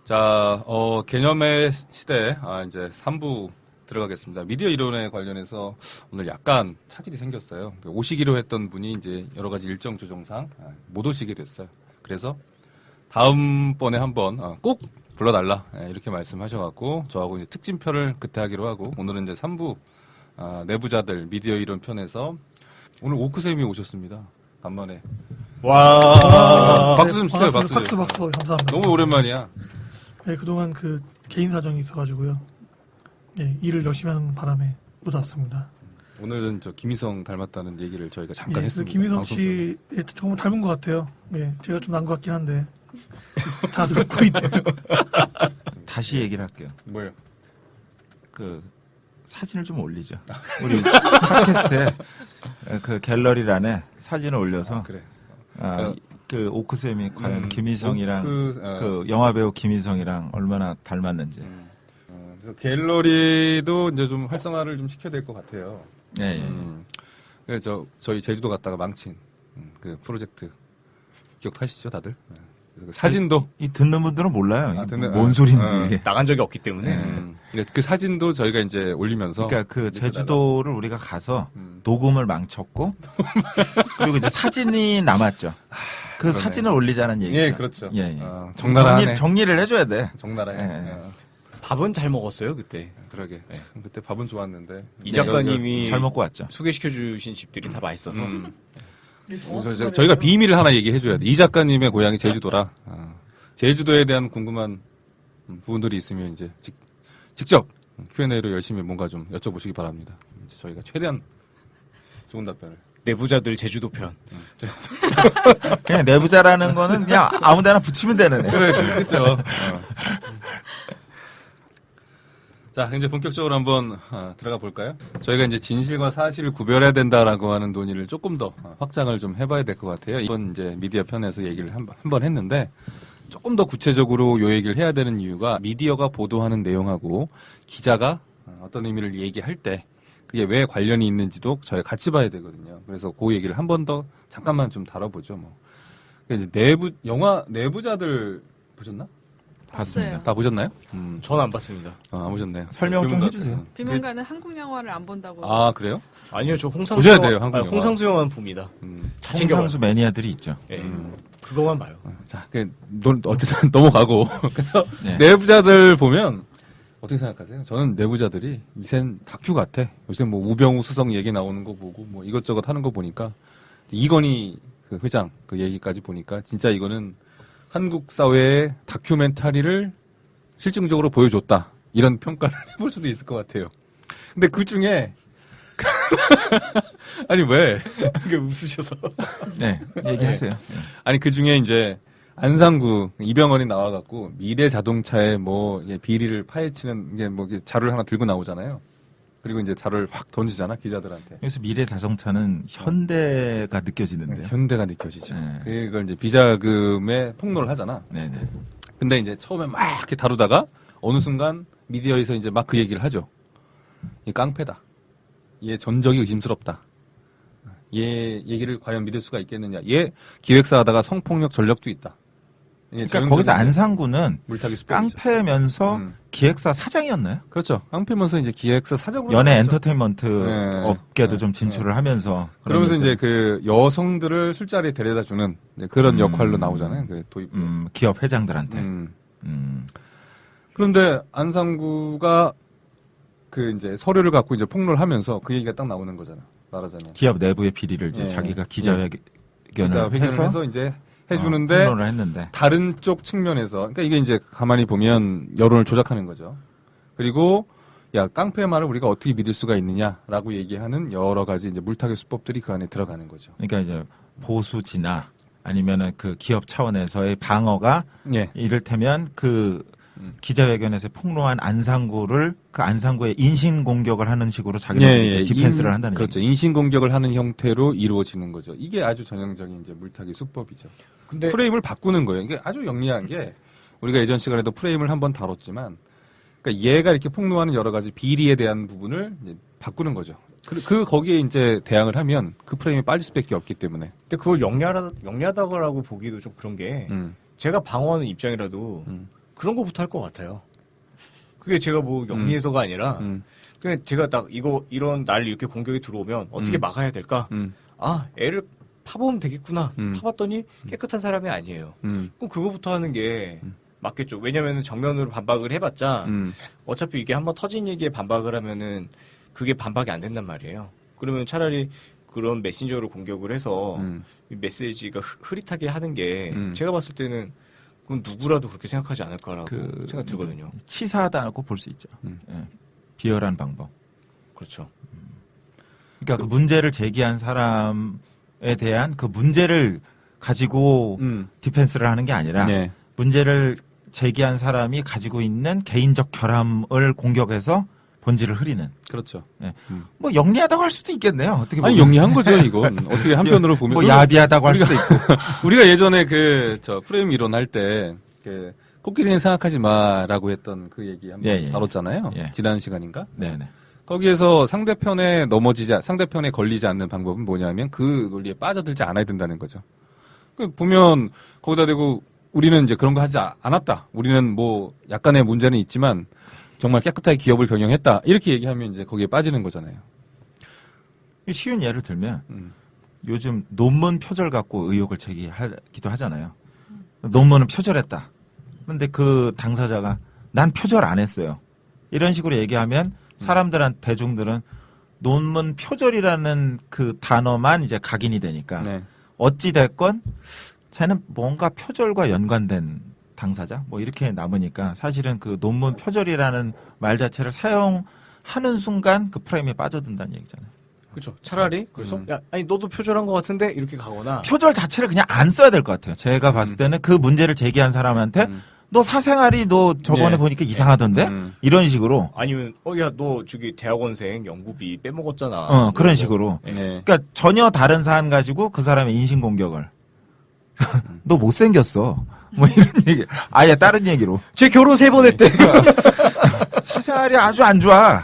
자, 개념의 시대, 이제 3부 들어가겠습니다. 미디어 이론에 관련해서 오늘 약간 차질이 생겼어요. 오시기로 했던 분이 이제 여러 가지 일정 조정상 못 오시게 됐어요. 그래서 다음번에 한번 꼭 불러달라 이렇게 말씀하셔갖고 저하고 이제 특진편을 그때 하기로 하고 오늘은 이제 3부 내부자들 미디어 이론 편에서 오늘 오크쌤이 오셨습니다. 간만에. 와. 박수 좀 주세요. 박수. 박수 감사합니다. 너무 오랜만이야. 네, 그동안 그 개인 사정이 있어가지고요. 네, 일을 열심히 하는 바람에 못 왔습니다. 오늘은 저 김희성 닮았다는 얘기를 저희가 잠깐 예, 했습니다. 김희성 씨 정말 닮은 것 같아요. 네, 제가 좀 난 것 같긴 한데 다 듣고 있네요. 다시 얘기를 할게요. 뭐요? 그 사진을 좀 올리죠. 우리 팟캐스트에 그 갤러리란에 사진을 올려서 그래. 그 오크쌤이 과연 김희성이랑 오크, 그 영화배우 김희성이랑 얼마나 닮았는지. 그래서 갤러리도 이제 좀 활성화를 좀 시켜야 될 것 같아요. 예, 예. 그래서 저희 제주도 갔다가 망친 그 프로젝트 기억하시죠, 다들? 그 사진도 이 듣는 분들은 몰라요. 듣는- 뭔 소리인지. 나간 적이 없기 때문에. 그 사진도 저희가 이제 올리면서 그러니까 그 제주도를 우리가 가서 음. 녹음을 망쳤고 그리고 이제 사진이 남았죠. 그 그러네. 사진을 올리자는 얘기죠. 예, 그렇죠. 예, 예. 적나라하네. 정리를 해줘야 돼. 적나라해. 예. 밥은 잘 먹었어요 그때. 그러게. 그때 밥은 좋았는데. 이 작가님이 잘 먹고 왔죠. 소개시켜주신 집들이 다 맛있어서. 저희가 비밀을 하나 얘기해줘야 돼. 이 작가님의 고향이 제주도라. 제주도에 대한 궁금한 부분들이 있으면 이제 직접 Q&A로 열심히 뭔가 좀 여쭤보시기 바랍니다. 이제 저희가 최대한 좋은 답변을. 내부자들 제주도 편. 그냥 내부자라는 거는 그냥 아무데나 붙이면 되는 애. 그래, 그렇죠. 자, 이제 본격적으로 한번 들어가 볼까요? 저희가 이제 진실과 사실을 구별해야 된다라고 하는 논의를 조금 더 확장을 좀 해봐야 될 것 같아요. 이번 이제 미디어 편에서 얘기를 한 번 했는데 조금 더 구체적으로 요 얘기를 해야 되는 이유가 미디어가 보도하는 내용하고 기자가 어떤 의미를 얘기할 때 그게 왜 관련이 있는지도 저희가 같이 봐야 되거든요. 그래서 그 얘기를 한 번 더 잠깐만 좀 다뤄보죠. 뭐 이제 영화 내부자들 보셨나? 봤습니다. 다 보셨나요? 전 안 봤습니다. 안 보셨네요. 설명 좀 그러면 해주세요. 비명가는 한국 영화를 안 본다고. 그래요? 아니요, 저 홍상수 보셔야 돼요, 한국 영화. 홍상수 영화는 봅니다. 다 챙겨봐요. 홍상수 매니아들이 있죠. 예. 그거만 봐요. 자, 어쨌든 넘어가고. 그래서 네. 내부자들 보면 어떻게 생각하세요? 저는 내부자들이 이젠 다큐 같아. 요새 뭐 우병우 수석 얘기 나오는 거 보고 뭐 이것저것 하는 거 보니까 이건희 그 회장 그 얘기까지 보니까 진짜 이거는 한국 사회의 다큐멘터리를 실증적으로 보여줬다. 이런 평가를 해볼 수도 있을 것 같아요. 근데 그 중에 아니 왜? 이게 웃으셔서. 네, 얘기하세요. 아니 그 중에 이제 안상구 이병헌이 나와갖고 미래 자동차에 뭐 비리를 파헤치는 게 뭐 자료를 하나 들고 나오잖아요. 그리고 이제 자료를 확 던지잖아 기자들한테. 여기서 미래 자동차는 현대가 느껴지는데요. 현대가 느껴지죠. 네. 그걸 이제 비자금에 폭로를 하잖아. 네네. 근데 이제 처음에 막 이렇게 다루다가 어느 순간 미디어에서 이제 막 그 얘기를 하죠. 이 깡패다. 얘 전적이 의심스럽다. 얘 얘기를 과연 믿을 수가 있겠느냐. 얘 기획사 하다가 성폭력 전력도 있다. 그러니까 거기서 안상구는 물타기 수법이죠. 깡패면서 기획사 사장이었나요? 그렇죠. 깡패면서 이제 기획사 사장으로 연예 나왔죠. 엔터테인먼트 네. 업계도 좀 진출을 하면서 그러면서 그러니까 이제 그 여성들을 술자리에 데려다 주는 그런 역할로 나오잖아요. 그 도입부. 기업 회장들한테. 그런데 안상구가 그 이제 서류를 갖고 이제 폭로를 하면서 그 얘기가 딱 나오는 거잖아. 말하자면. 기업 내부의 비리를 이제 네. 자기가 기자회견을 기자회견을 해서 이제 해주는데 폭로를 했는데 다른 쪽 측면에서 그러니까 이게 이제 가만히 보면 여론을 조작하는 거죠. 그리고 야 깡패의 말을 우리가 어떻게 믿을 수가 있느냐라고 얘기하는 여러 가지 이제 물타기 수법들이 그 안에 들어가는 거죠. 그러니까 이제 보수지나 아니면은 그 기업 차원에서의 방어가 예. 이를테면 그 기자회견에서 폭로한 안상구를 그 안상구의 인신 공격을 하는 식으로 자기들 이제 디펜스를 한다는 그렇죠. 얘기죠. 인신 공격을 하는 형태로 이루어지는 거죠. 이게 아주 전형적인 이제 물타기 수법이죠. 근데 프레임을 바꾸는 거예요. 이게 아주 영리한 게 우리가 예전 시간에도 프레임을 한번 다뤘지만, 그러니까 얘가 이렇게 폭로하는 여러 가지 비리에 대한 부분을 이제 바꾸는 거죠. 거기에 이제 대항을 하면 그 프레임이 빠질 수밖에 없기 때문에. 근데 그걸 영리하다고 보기도 좀 그런 게 제가 방어하는 입장이라도 그런 거부터 할 것 같아요. 그게 제가 뭐 영리해서가 아니라 그냥 제가 딱 이런 날 이렇게 공격이 들어오면 어떻게 막아야 될까? 아, 애를 파보면 되겠구나. 파봤더니 깨끗한 사람이 아니에요. 그럼 그거부터 하는 게 맞겠죠. 왜냐면은 정면으로 반박을 해봤자 어차피 이게 한번 터진 얘기에 반박을 하면은 그게 반박이 안 된단 말이에요. 그러면 차라리 그런 메신저로 공격을 해서 이 메시지가 흐릿하게 하는 게 제가 봤을 때는 그건 누구라도 그렇게 생각하지 않을까라고 생각 들거든요. 치사하다고 볼 수 있죠. 예. 비열한 방법. 그렇죠. 그러니까 그 문제를 제기한 사람에 대한 그 문제를 가지고 디펜스를 하는 게 아니라 네. 문제를 제기한 사람이 가지고 있는 개인적 결함을 공격해서 본질을 흐리는. 그렇죠. 예. 뭐 영리하다고 할 수도 있겠네요. 어떻게 보면. 아니 영리한 거죠 이건. 어떻게 한편으로 보면 뭐 야비하다고 할 수도 있고. 우리가 예전에 프레임 이론 할 때 코끼리는 생각하지 마라고 했던 그 얘기 한번 예, 예. 다뤘잖아요. 예. 지난 시간인가? 네네. 거기에서 상대편에 걸리지 않는 방법은 뭐냐면 그 논리에 빠져들지 않아야 된다는 거죠. 보면 거기다 대고 우리는 이제 그런 거 하지 않았다. 우리는 뭐 약간의 문제는 있지만 정말 깨끗하게 기업을 경영했다. 이렇게 얘기하면 이제 거기에 빠지는 거잖아요. 쉬운 예를 들면 요즘 논문 표절 갖고 의혹을 제기하기도 하잖아요. 논문은 표절했다. 그런데 그 당사자가 난 표절 안 했어요. 이런 식으로 얘기하면 대중들은 논문 표절이라는 그 단어만 이제 각인이 되니까 네. 어찌 됐건 쟤는 뭔가 표절과 연관된 당사자 뭐 이렇게 남으니까 사실은 그 논문 표절이라는 말 자체를 사용하는 순간 그 프레임에 빠져든다는 얘기잖아요. 그렇죠. 차라리 그래서 야, 아니 너도 표절한 것 같은데 이렇게 가거나 표절 자체를 그냥 안 써야 될 것 같아요. 제가 봤을 때는 그 문제를 제기한 사람한테 너 사생활이 너 저번에 네. 보니까 이상하던데 이런 식으로 아니면 야 너 저기 대학원생 연구비 빼먹었잖아. 그런 식으로 네. 그러니까 전혀 다른 사안 가지고 그 사람의 인신 공격을 너 못생겼어 뭐 이런 얘기 아예 다른 얘기로 제 결혼 3번 했대. 사생활이 아주 안 좋아.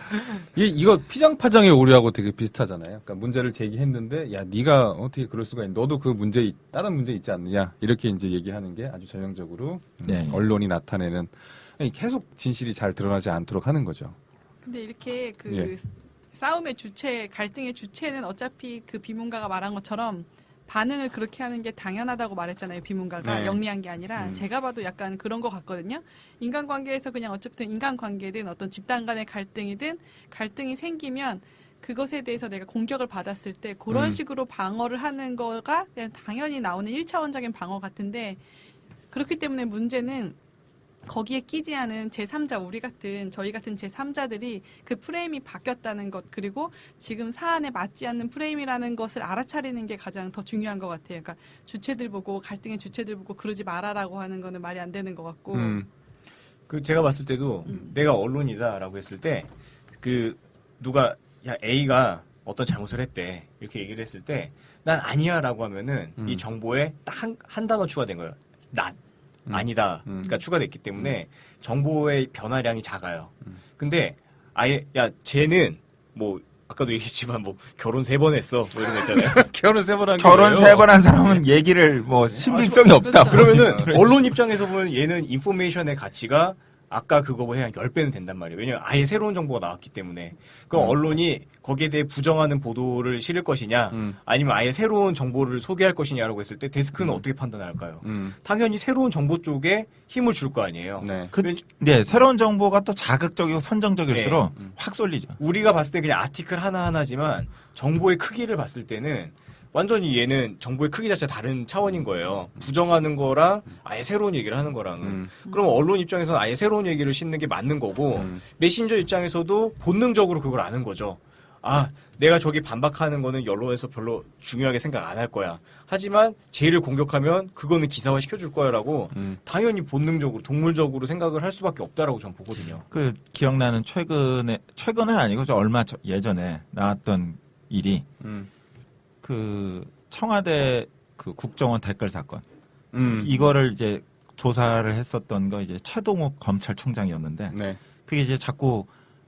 이거 피장파장의 오류하고 되게 비슷하잖아요. 그러니까 문제를 제기했는데 야 네가 어떻게 그럴 수가 있니? 너도 그 다른 문제 있지 않느냐? 이렇게 이제 얘기하는 게 아주 전형적으로 네. 언론이 나타내는 계속 진실이 잘 드러나지 않도록 하는 거죠. 근데 이렇게 그 예. 싸움의 주체, 갈등의 주체는 어차피 그 비문가가 말한 것처럼 반응을 그렇게 하는 게 당연하다고 말했잖아요. 비문가가 네. 영리한 게 아니라 제가 봐도 약간 그런 것 같거든요. 인간관계에서 그냥 어쨌든 인간관계든 어떤 집단 간의 갈등이든 갈등이 생기면 그것에 대해서 내가 공격을 받았을 때 그런 식으로 방어를 하는 거가 그냥 당연히 나오는 1차원적인 방어 같은데 그렇기 때문에 문제는 거기에 끼지 않은 제3자, 저희 같은 제3자들이 그 프레임이 바뀌었다는 것, 그리고 지금 사안에 맞지 않는 프레임이라는 것을 알아차리는 게 가장 더 중요한 것 같아요. 그러니까 주체들 보고, 갈등의 주체들 보고 그러지 말아라고 하는 거는 말이 안 되는 것 같고. 그 제가 봤을 때도 내가 언론이다라고 했을 때 그 누가 야 A가 어떤 잘못을 했대 이렇게 얘기를 했을 때 난 아니야라고 하면은 이 정보에 딱 한 단어 추가된 거예요. 아니다. 그러니까 추가됐기 때문에 정보의 변화량이 작아요. 근데 아예 야 쟤는 뭐 아까도 얘기했지만 뭐 결혼 3번 했어 뭐 이런 거 있잖아요. 결혼 3번 한 결혼 3번 한 사람은 얘기를 뭐 신빙성이 없다. 그러면은 언론 입장에서 보면 얘는 인포메이션의 가치가 아까 그거보다 한 10배는 된단 말이에요. 왜냐면 아예 새로운 정보가 나왔기 때문에. 그럼 언론이 거기에 대해 부정하는 보도를 실을 것이냐 아니면 아예 새로운 정보를 소개할 것이냐라고 했을 때 데스크는 어떻게 판단할까요? 당연히 새로운 정보 쪽에 힘을 줄 거 아니에요. 네. 네, 새로운 정보가 또 자극적이고 선정적일수록 확 쏠리죠. 우리가 봤을 때 그냥 아티클 하나하나지만 정보의 크기를 봤을 때는 완전히 얘는 정보의 크기 자체가 다른 차원인 거예요. 부정하는 거랑 아예 새로운 얘기를 하는 거랑은. 그럼 언론 입장에서는 아예 새로운 얘기를 싣는 게 맞는 거고 메신저 입장에서도 본능적으로 그걸 아는 거죠. 아, 내가 저기 반박하는 거는 언론에서 별로 중요하게 생각 안 할 거야. 하지만 쟤를 공격하면 그거는 기사화 시켜줄 거야라고 당연히 본능적으로 동물적으로 생각을 할 수밖에 없다라고 저는 보거든요. 그 기억나는 최근은 아니고 저 얼마 예전에 나왔던 일이 그 청와대 그 국정원 댓글 사건 이거를 이제 조사를 했었던 거 이제 최동욱 검찰총장이었는데 네. 그게 이제 자꾸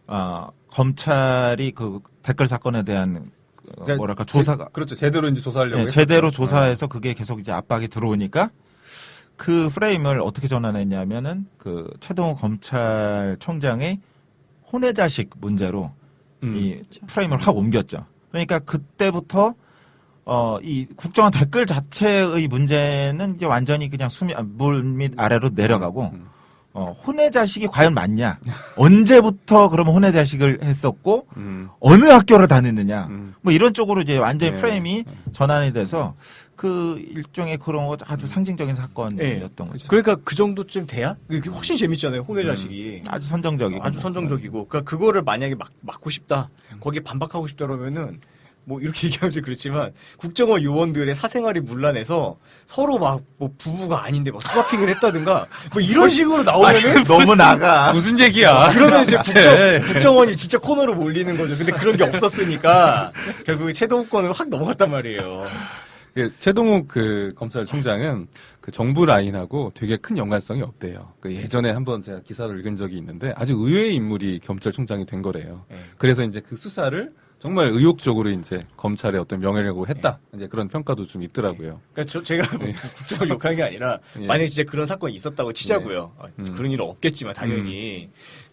검찰이 그 댓글 사건에 대한 뭐랄까 조사가 그렇죠. 제대로 이제 조사하려고 네, 했었죠. 제대로 조사해서 그게 계속 이제 압박이 들어오니까 그 프레임을 어떻게 전환했냐면은 그 최동호 검찰총장의 혼외자식 문제로 이 프레임을 확 옮겼죠. 그러니까 그때부터 이 국정원 댓글 자체의 문제는 이제 완전히 그냥 물 밑 아래로 내려가고 혼외자식이 과연 맞냐? 언제부터 그러면 혼외자식을 했었고 어느 학교를 다녔느냐? 뭐 이런 쪽으로 이제 완전히 네. 프레임이 전환이 돼서 그 일종의 그런 거 아주 상징적인 사건이었던 거죠. 그러니까 그 정도쯤 돼야 그게 훨씬 재밌잖아요. 혼외 자식이. 아주 선정적이고 아주 선정적이고. 그러니까 그거를 만약에 막고 싶다. 거기에 반박하고 싶다 그러면은 뭐 이렇게 얘기하면 좀 그렇지만 국정원 요원들의 사생활이 문란해서 서로 막 뭐 부부가 아닌데 막 스와핑을 했다든가 뭐 이런 식으로 나오면은 너무 나가. 무슨 얘기야? 그러면 이제 네. 국정원이 진짜 코너로 몰리는 거죠. 근데 그런 게 없었으니까 결국 최동욱권으로 확 넘어갔단 말이에요. 최동욱 그 검찰총장은 그 정부 라인하고 되게 큰 연관성이 없대요. 그 예전에 한번 제가 기사를 읽은 적이 있는데 아주 의외의 인물이 검찰총장이 된 거래요. 네. 그래서 이제 그 수사를 정말 의욕적으로 이제 검찰의 어떤 명예라고 했다. 이제 그런 평가도 좀 있더라고요. 그러니까 제가 뭐 국정을 욕하는 게 아니라 예. 만약에 진짜 그런 사건이 있었다고 치자고요. 네. 그런 일은 없겠지만 당연히.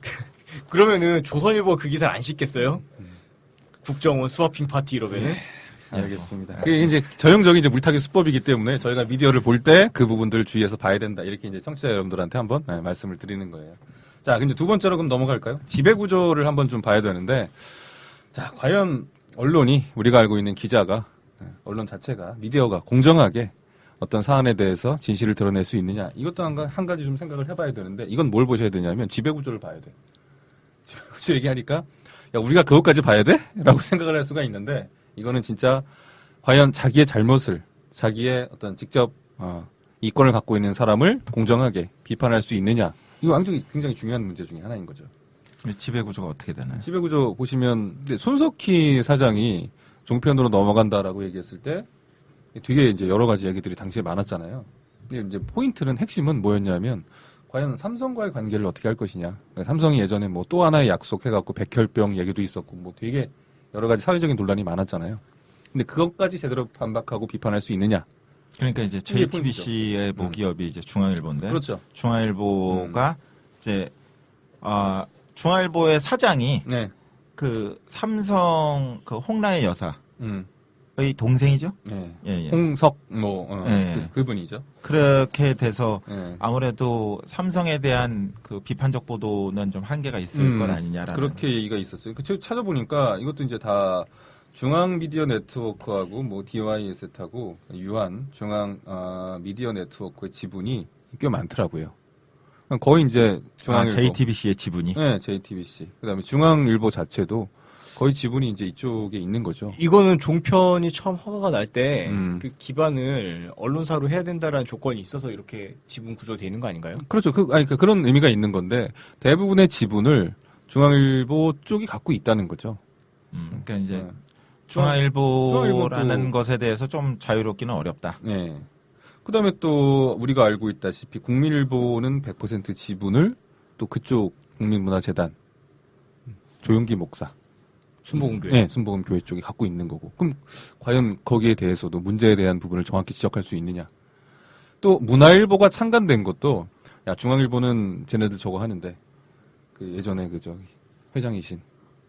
그러면은 조선일보가 그 기사를 안 싣겠어요? 국정원 스와핑 파티 이러면은. 알겠습니다. 그게 이제 전형적인 이제 물타기 수법이기 때문에 저희가 미디어를 볼 때 그 부분들을 주의해서 봐야 된다. 이렇게 이제 청취자 여러분들한테 한번 말씀을 드리는 거예요. 자, 근데 두 번째로 그럼 넘어갈까요? 지배 구조를 한번 좀 봐야 되는데, 자, 과연 언론이 우리가 알고 있는 기자가 언론 자체가 미디어가 공정하게 어떤 사안에 대해서 진실을 드러낼 수 있느냐? 이것도 한 가지 좀 생각을 해봐야 되는데, 이건 뭘 보셔야 되냐면 지배 구조를 봐야 돼. 지배 구조 얘기하니까 야, 우리가 그것까지 봐야 돼? 라고 생각을 할 수가 있는데. 이거는 진짜 과연 자기의 잘못을 자기의 어떤 직접 이권을 갖고 있는 사람을 공정하게 비판할 수 있느냐 이거 굉장히 중요한 문제 중에 하나인 거죠. 지배 구조가 어떻게 되나요? 지배 구조 보시면 손석희 사장이 종편으로 넘어간다라고 얘기했을 때 되게 이제 여러 가지 얘기들이 당시에 많았잖아요. 근데 이제 포인트는 핵심은 뭐였냐면 과연 삼성과의 관계를 어떻게 할 것이냐. 그러니까 삼성이 예전에 뭐 또 하나의 약속해갖고 백혈병 얘기도 있었고 뭐 되게 여러 가지 사회적인 논란이 많았잖아요. 근데 그것까지 제대로 반박하고 비판할 수 있느냐? 그러니까 이제 이게 JTBC의 모기업이 이제 중앙일보인데, 그렇죠. 중앙일보가 이제 중앙일보의 사장이 네. 그 삼성 그 홍라의 여사의 음. 동생이죠. 네. 예, 예. 홍석 예. 그분이죠. 그렇게 돼서 네. 아무래도 삼성에 대한 그 비판적 보도는 좀 한계가 있을 것 아니냐라는. 그렇게 얘기가 있었어요. 제가 찾아보니까 이것도 이제 다 중앙 미디어 네트워크하고 뭐 DYS하고 유한 중앙 미디어 네트워크의 지분이 꽤 많더라고요. 거의 이제 중앙일보, JTBC의 지분이. 네, JTBC. 그다음에 중앙일보 자체도 거의 지분이 이제 이쪽에 있는 거죠. 이거는 종편이 처음 허가가 날 때 그 음. 기반을 언론사로 해야 된다라는 조건이 있어서 이렇게 지분 구조가 되는 거 아닌가요? 그렇죠. 그러니까 그런 의미가 있는 건데 대부분의 지분을 중앙일보 쪽이 갖고 있다는 거죠. 그러니까 이제 네. 중앙일보라는 중앙일보도- 것에 대해서 좀 자유롭기는 어렵다. 네. 그다음에 또 우리가 알고 있다시피 국민일보는 100% 지분을 또 그쪽 국민문화재단 조용기 목사 순복음교회. 네, 순복음교회 쪽이 갖고 있는 거고. 그럼 과연 거기에 대해서도 문제에 대한 부분을 정확히 지적할 수 있느냐? 또 문화일보가 창간된 것도 야 중앙일보는 쟤네들 저거 하는데 그 예전에 그 저기 회장이신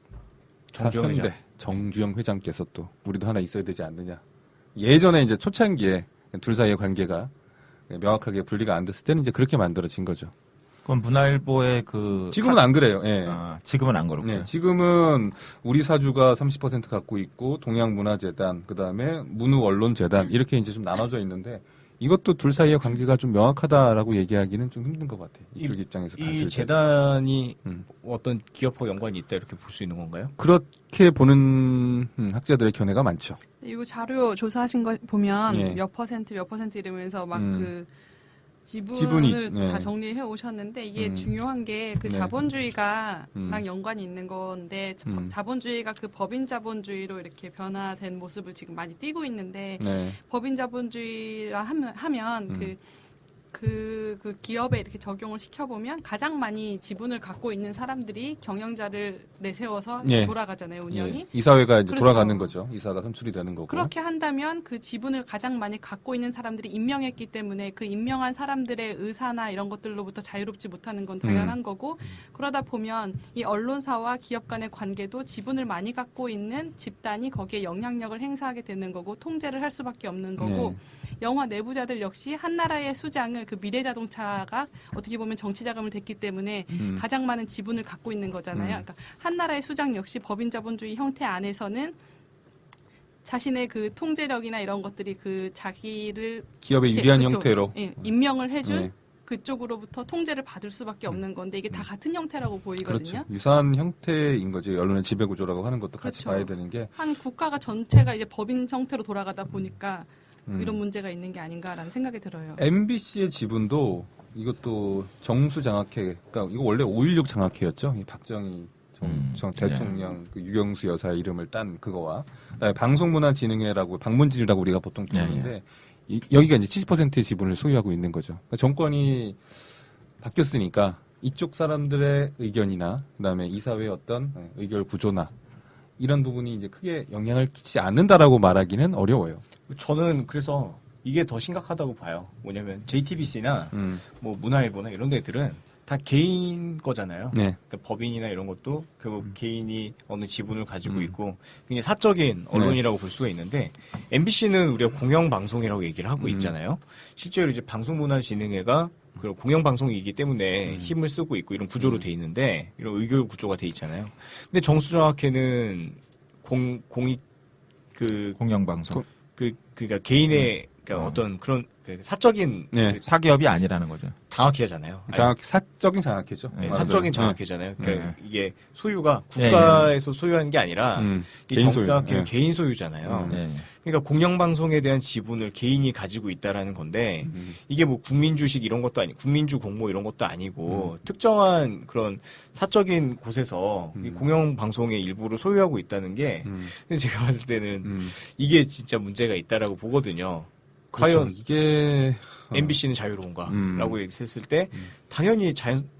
정주영 현대 회장. 정주영 회장께서 또 우리도 하나 있어야 되지 않느냐? 예전에 이제 초창기에 둘 사이의 관계가 명확하게 분리가 안 됐을 때는 이제 그렇게 만들어진 거죠. 그건 문화일보의 그 지금은 안 그래요. 예. 지금은 안 그렇고요. 네, 지금은 우리 사주가 30% 갖고 있고 동양문화재단, 그다음에 문우언론재단 이렇게 이제 좀 나눠져 있는데 이것도 둘 사이의 관계가 좀 명확하다라고 얘기하기는 좀 힘든 것 같아요. 이쪽 입장에서 봤을 이 때. 재단이 음. 어떤 기업하고 연관이 있다 이렇게 볼 수 있는 건가요? 그렇게 보는 학자들의 견해가 많죠. 이거 자료 조사하신 거 보면 예. 몇 퍼센트 이러면서 막 그 지분을 지분이, 예. 다 정리해 오셨는데 이게 음. 중요한 게 그 네. 자본주의가랑 연관이 있는 건데 음. 자본주의가 그 법인 자본주의로 이렇게 변화된 모습을 지금 많이 띄고 있는데 네. 법인 자본주의라 하면 음. 그 그 기업에 이렇게 적용을 시켜보면 가장 많이 지분을 갖고 있는 사람들이 경영자를 내세워서 예. 돌아가잖아요, 운영이. 예. 이사회가 이제 그렇죠. 돌아가는 거죠. 이사가 선출이 되는 거고. 그렇게 한다면 그 지분을 가장 많이 갖고 있는 사람들이 임명했기 때문에 그 임명한 사람들의 의사나 이런 것들로부터 자유롭지 못하는 건 당연한 거고, 그러다 보면 이 언론사와 기업 간의 관계도 지분을 많이 갖고 있는 집단이 거기에 영향력을 행사하게 되는 거고 통제를 할 수밖에 없는 거고, 영화 내부자들 역시 한 나라의 수장을 그 미래자동차가 어떻게 보면 정치 자금을 댔기 때문에 가장 많은 지분을 갖고 있는 거잖아요. 그러니까 한 나라의 수장 역시 법인 자본주의 형태 안에서는 자신의 그 통제력이나 이런 것들이 그 자기를 기업의 유리한 그쵸. 형태로. 예, 임명을 해준 네. 그쪽으로부터 통제를 받을 수밖에 없는 건데 이게 다 같은 형태라고 보이거든요. 그렇죠. 유사한 형태인 거지. 언론의 지배구조라고 하는 것도 같이 그렇죠. 봐야 되는 게. 한 국가가 전체가 이제 법인 형태로 돌아가다 보니까 이런 문제가 있는 게 아닌가라는 생각이 들어요. MBC의 지분도 이것도 정수 장학회, 그러니까 이거 원래 5.16 장학회였죠. 이 박정희 전 대통령 그 유경수 여사의 이름을 딴 그거와 그다음에 방송문화진흥회라고 방문진이라고 우리가 보통 부르는데 여기가 이제 70%의 지분을 소유하고 있는 거죠. 그러니까 정권이 바뀌었으니까 이쪽 사람들의 의견이나 그다음에 이사회의 어떤 의결 구조나 이런 부분이 이제 크게 영향을 끼치지 않는다라고 말하기는 어려워요. 저는 그래서 이게 더 심각하다고 봐요. 뭐냐면 JTBC나 뭐 문화일보나 이런 데들은 다 개인 거잖아요. 네. 그러니까 법인이나 이런 것도 그 개인이 어느 지분을 가지고 있고 굉장히 사적인 언론이라고 볼 수가 있는데 MBC는 우리가 공영방송이라고 얘기를 하고 있잖아요. 실제로 이제 방송문화진흥회가 그 공영방송이기 때문에 힘을 쓰고 있고 이런 구조로 돼 있는데 이런 의결 구조가 돼 있잖아요. 근데 정수정학회는 공익 그 공영방송. 그러니까 개인의 그러니까 어떤 그런 그 사적인 네. 그 사기업이 아니라는 거죠. 장학회잖아요. 사적인 장학회죠. 네, 맞아요. 사적인 네. 장학회잖아요. 그러니까 네. 이게 소유가 국가에서 소유하는 게 아니라 이 개인 소유. 정수학회는 네. 개인 소유잖아요. 네. 그러니까 공영방송에 대한 지분을 개인이 가지고 있다라는 건데 이게 뭐 국민주식 이런 것도 아니고 국민주 공모 이런 것도 아니고 특정한 그런 사적인 곳에서 이 공영방송의 일부를 소유하고 있다는 게 근데 제가 봤을 때는 이게 진짜 문제가 있다라고 보거든요. 그렇죠. 과연 이게 MBC는 자유로운가라고 얘기했을 때 당연히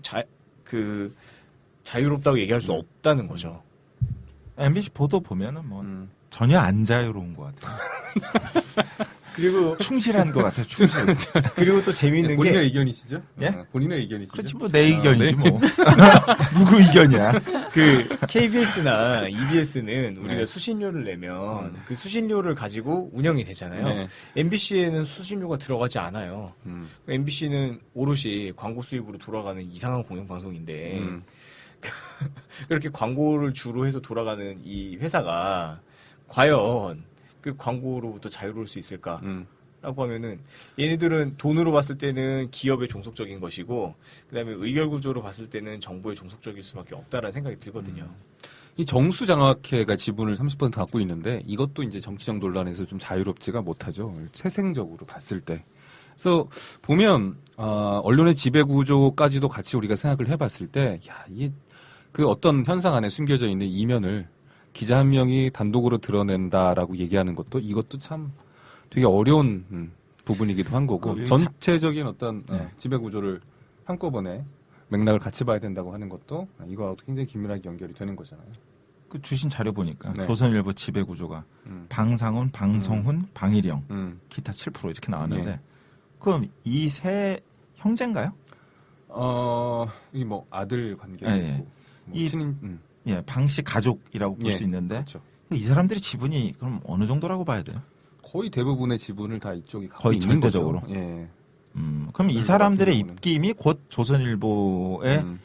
자유롭다고 얘기할 수 없다는 거죠. MBC 보도 보면은 뭐 전혀 안 자유로운 것 같아요. 그리고 충실한 것 같아요. 충실. 그리고 또 재미있는 본인의 게 의견이시죠? 예? 본인의 의견이시죠? 그렇지 뭐 내 의견이지 뭐. 누구 의견이야? 그 KBS나 EBS는 우리가 수신료를 내면 그 수신료를 가지고 운영이 되잖아요. 네. MBC에는 수신료가 들어가지 않아요. MBC는 오롯이 광고 수입으로 돌아가는 이상한 공영방송인데 그렇게 광고를 주로 해서 돌아가는 이 회사가 과연 그 광고로부터 자유로울 수 있을까? 라고 하면은 얘네들은 돈으로 봤을 때는 기업의 종속적인 것이고 그다음에 의결 구조로 봤을 때는 정부의 종속적일 수밖에 없다라는 생각이 들거든요. 이 정수장학회가 지분을 30% 갖고 있는데 이것도 이제 정치적 논란에서 좀 자유롭지가 못하죠. 세생적으로 봤을 때. 그래서 보면 언론의 지배 구조까지도 같이 우리가 생각을 해봤을 때, 야, 이게 그 어떤 현상 안에 숨겨져 있는 이면을 기자 한 명이 단독으로 드러낸다라고 얘기하는 것도 이것도 참 되게 어려운 부분이기도 한 거고 그 전체적인 어떤 지배 구조를 한꺼번에 맥락을 같이 봐야 된다고 하는 것도 이거하고 굉장히 긴밀하게 연결이 되는 거잖아요. 그 주신 자료 보니까 네. 조선일보 지배 구조가 방상훈, 방송훈, 방일영, 기타 7% 이렇게 나왔는데 예. 그럼 이 세 형제인가요? 이게 뭐 아들 관계도 예, 예. 있고 뭐 이- 친인 예, 방씨 가족이라고 볼 예, 수 있는데 그렇죠. 이 사람들의 지분이 그럼 어느 정도라고 봐야 돼요? 거의 대부분의 지분을 다 이쪽이 갖고 거의 있는 절대적으로. 거죠. 예. 그럼 이 같은 사람들의 경우는. 입김이 곧 조선일보의 음.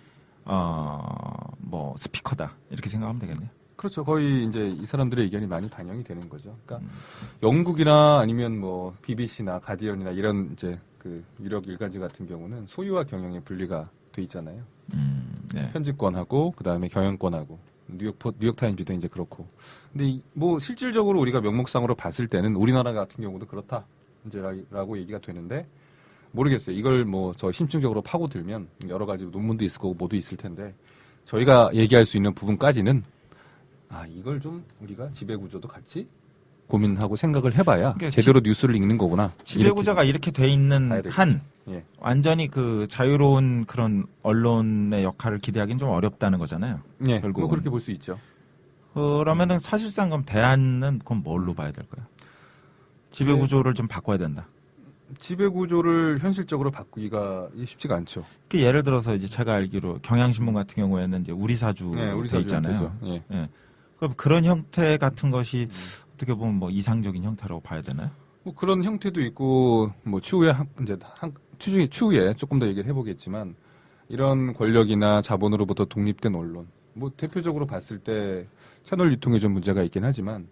뭐 스피커다 이렇게 생각하면 되겠네요. 그렇죠. 거의 이제 이 사람들의 의견이 많이 반영이 되는 거죠. 그러니까 영국이나 아니면 뭐 BBC나 가디언이나 이런 이제 그 유력 일간지 같은 경우는 소유와 경영의 분리가 돼 있잖아요. 네. 편집권하고 그다음에 경영권하고 뉴욕 타임즈도 이제 그렇고. 근데 뭐 실질적으로 우리가 명목상으로 봤을 때는 우리나라 같은 경우도 그렇다 이제라고 얘기가 되는데 모르겠어요. 이걸 뭐 저 심층적으로 파고들면 여러 가지 논문도 있을 거고 뭐도 있을 텐데 저희가 얘기할 수 있는 부분까지는 이걸 좀 우리가 지배 구조도 같이 고민하고 생각을 해봐야 그러니까 제대로 뉴스를 읽는 거구나. 지배구조가 이렇게 돼 있는 봐야 되겠죠. 한 예. 완전히 그 자유로운 그런 언론의 역할을 기대하기는 좀 어렵다는 거잖아요. 예, 결국은. 뭐 그렇게 볼 수 있죠. 그러면은 사실상 그럼 대안은 그럼 뭘로 봐야 될까요? 지배구조를 좀 바꿔야 된다. 지배 구조를 현실적으로 바꾸기가 쉽지가 않죠. 그 예를 들어서 이제 제가 알기로 경향신문 같은 경우에는 이제 우리 사주 네, 우리 돼 있잖아요. 사주죠. 예. 예. 그럼 그런 형태 같은 것이 어떻게 보면 뭐 이상적인 형태라고 봐야 되나요? 뭐 그런 형태도 있고 뭐 추후에 추후에 조금 더 얘기를 해보겠지만 이런 권력이나 자본으로부터 독립된 언론 뭐 대표적으로 봤을 때 채널 유통에 좀 문제가 있긴 하지만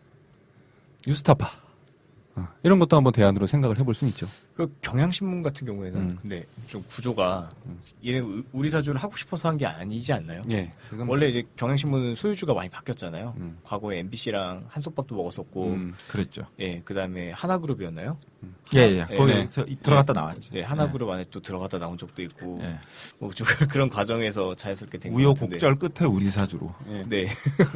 뉴스타파 이런 것도 한번 대안으로 생각을 해볼 수는 있죠. 그 경향신문 같은 경우에는 근데 좀 구조가 얘는 우리 사주를 하고 싶어서 한 게 아니지 않나요? 예. 그건 원래 이제 경향신문은 소유주가 많이 바뀌었잖아요. 음. 과거에 MBC랑 한솥밥도 먹었었고, 그랬죠. 예, 그 다음에 하나그룹이었나요? 예, 예. 예. 거기서 들어갔다 나왔죠. 예, 하나그룹 안에 또 들어갔다 나온 적도 있고, 예. 뭐 좀 그런 과정에서 자연스럽게 된 것 같은데. 우여곡절 끝에 우리 사주로. 예. 네.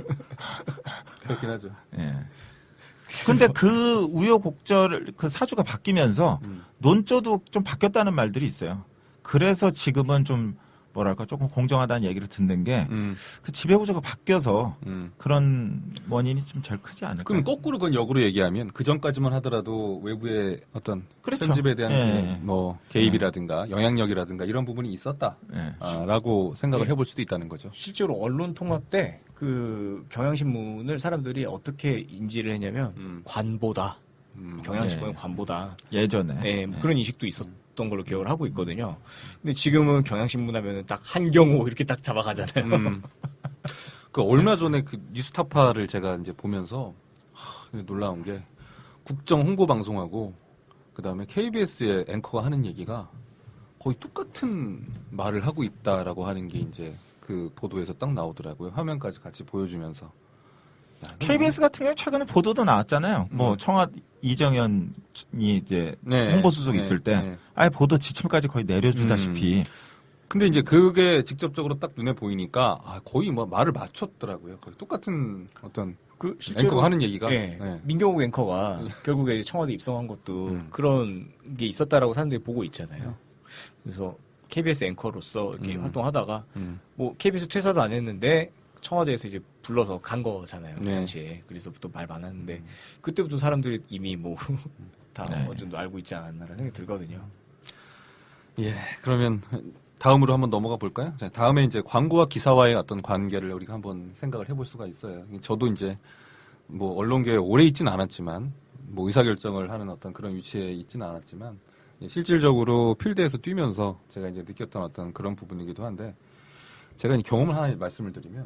그렇긴 하죠. 예. 근데 그 우여곡절 그 사주가 바뀌면서 논조도 좀 바뀌었다는 말들이 있어요. 그래서 지금은 좀 뭐랄까 조금 공정하다는 얘기를 듣는 게 그 지배구조가 바뀌어서 그런 원인이 좀 제일 크지 않을까. 그럼 거꾸로 그건 역으로 얘기하면 그 전까지만 하더라도 외부의 어떤 그렇죠. 편집에 대한 예. 뭐 개입이라든가 영향력이라든가 이런 부분이 있었다라고 예. 생각을 예. 해볼 수도 있다는 거죠. 실제로 언론 통합 때 그 경향신문을 사람들이 어떻게 인지를 했냐면 관보다. 경향신문은 예. 관보다. 예전에. 예, 뭐 그런 인식도 있었던 걸로 기억을 하고 있거든요. 근데 지금은 경향신문 하면은 딱 한경호 이렇게 딱 잡아가잖아요. 그 얼마 전에 그 뉴스타파를 제가 이제 보면서 놀라운 게 국정 홍보 방송하고 그 다음에 KBS의 앵커가 하는 얘기가 거의 똑같은 말을 하고 있다라고 하는 게 이제 그 보도에서 딱 나오더라고요. 화면까지 같이 보여주면서. 야, KBS 같은 경우 최근에 보도도 나왔잖아요. 뭐 이정현이 이제 네. 홍보수석 네. 있을 때 네. 아예 보도 지침까지 거의 내려주다시피 근데 이제 그게 직접적으로 딱 눈에 보이니까 거의 뭐 말을 맞췄더라고요. 거의 똑같은 어떤 그 앵커가 하는 얘기가. 예, 네. 민경욱 앵커가 결국에 청와대 입성한 것도 그런 게 있었다라고 사람들이 보고 있잖아요. 그래서 KBS 앵커로서 이렇게 활동하다가 뭐 KBS 퇴사도 안 했는데 청와대에서 이제 불러서 간 거잖아요. 그 네. 당시에. 그래서부터 말 많았는데 그때부터 사람들이 이미 뭐 다 네. 어느 정도 알고 있지 않았나라는 생각이 들거든요. 예, 그러면 다음으로 한번 넘어가 볼까요? 자, 다음에 이제 광고와 기사와의 어떤 관계를 우리가 한번 생각을 해볼 수가 있어요. 저도 이제 뭐 언론계에 오래 있지는 않았지만 뭐 의사결정을 하는 어떤 그런 위치에 있지는 않았지만 실질적으로 필드에서 뛰면서 제가 이제 느꼈던 어떤 그런 부분이기도 한데 제가 이제 경험을 하나 말씀을 드리면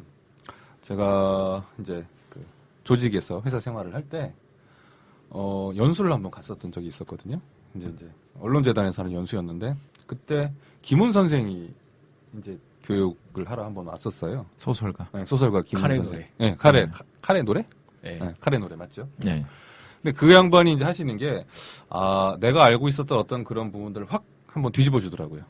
제가 이제 그 조직에서 회사 생활을 할 때 연수를 한번 갔었던 적이 있었거든요. 이제 언론재단에서 하는 연수였는데 그때 김훈 선생이 이제 교육을 하러 한번 왔었어요. 소설가. 네, 소설가 김훈 카레 선생. 노래. 네, 카레 노래? 예. 네, 카레 노래 맞죠? 예. 근데 그 양반이 이제 하시는 게, 내가 알고 있었던 어떤 그런 부분들을 확 한번 뒤집어 주더라고요.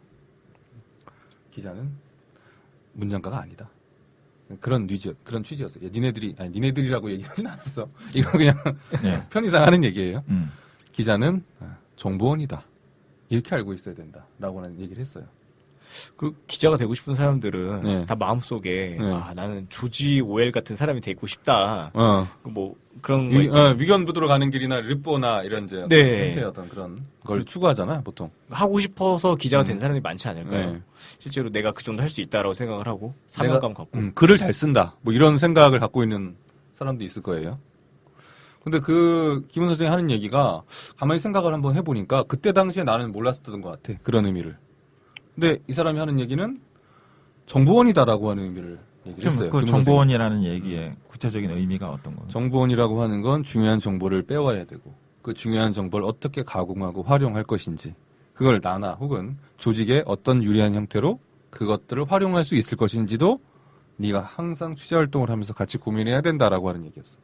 기자는 문장가가 아니다. 그런 취지였어요. 니네들이라고 얘기하진 않았어. 이거 그냥 네. 편의상 하는 얘기예요. 음. 기자는 정보원이다. 이렇게 알고 있어야 된다. 라고는 얘기를 했어요. 그 기자가 되고 싶은 사람들은 네. 다 마음속에 네. 나는 조지 오웰 같은 사람이 되고 싶다. 그 뭐 그런 거 위견부두로 가는 길이나 르뽀나 이런 이제 네. 형태의 어떤 그런 걸 추구하잖아요, 보통. 하고 싶어서 기자가 된 사람이 많지 않을까요? 네. 실제로 내가 그 정도 할 수 있다라고 생각을 하고 사명감 갖고 글을 잘 쓴다. 뭐 이런 생각을 갖고 있는 사람도 있을 거예요. 근데 그 김훈 선생이 하는 얘기가 가만히 생각을 한번 해보니까 그때 당시에 나는 몰랐었던 것 같아. 그런 의미를. 근데 이 사람이 하는 얘기는 정보원이다라고 하는 의미를 얘기를 했어요. 그 김훈 정보원이라는 얘기의 구체적인 의미가 어떤 거예요? 정보원이라고 하는 건 중요한 정보를 빼와야 되고 그 중요한 정보를 어떻게 가공하고 활용할 것인지 그걸 나나 혹은 조직의 어떤 유리한 형태로 그것들을 활용할 수 있을 것인지도 네가 항상 취재활동을 하면서 같이 고민해야 된다라고 하는 얘기였어.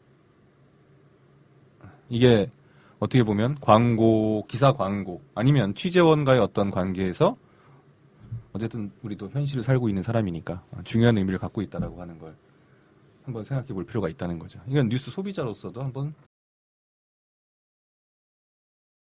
이게 어떻게 보면 광고, 기사 광고 아니면 취재원과의 어떤 관계에서 어쨌든 우리도 현실을 살고 있는 사람이니까 중요한 의미를 갖고 있다라고 하는 걸 한번 생각해 볼 필요가 있다는 거죠. 이건 뉴스 소비자로서도 한번